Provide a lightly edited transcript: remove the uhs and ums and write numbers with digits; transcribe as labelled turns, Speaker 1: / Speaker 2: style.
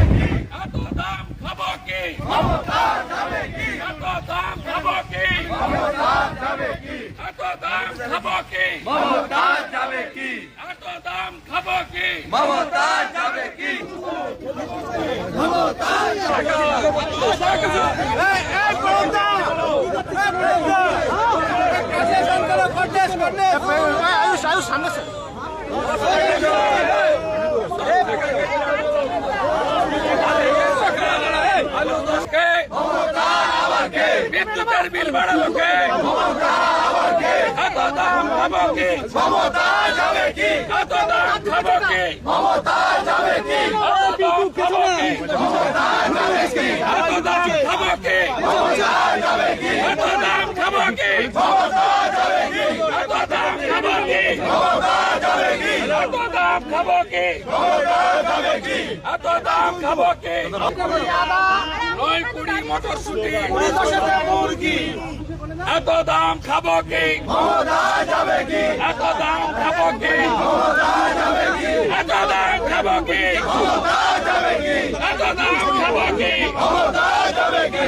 Speaker 1: এত দাম খাবো কি মমতা যাবে কি এত দাম খাবো কি মমতা যাবে কি এত দাম খাবো কি মমতা যাবে কি এত দাম খাবো কি মমতা যাবে কি মমতা
Speaker 2: आयुष सामने से
Speaker 1: বিদ্যুতের বিল বাড়ালো কে এত দাম খাবো কি মমতা যাবে কি এত দাম খাবো কি মমতা যাবে কি এত দাম খাবো কি মমতা যাবে কি এত দাম খাবো কি মমতা যাবে কি এত দাম খাবো কি মমতা যাবে কি এত দাম খাবো কি মমতা যাবে কি এত দাম খাবো কি এত দাম খাবো কি নয় কুড়ি মটরশুটি মুরগি এত দাম খাবো কি মমতা যাবে কি এত দাম খাবো কি মমতা যাবে কি এত দাম খাবো কি মমতা যাবে কি এত দাম খাবো কি মমতা যাবে কি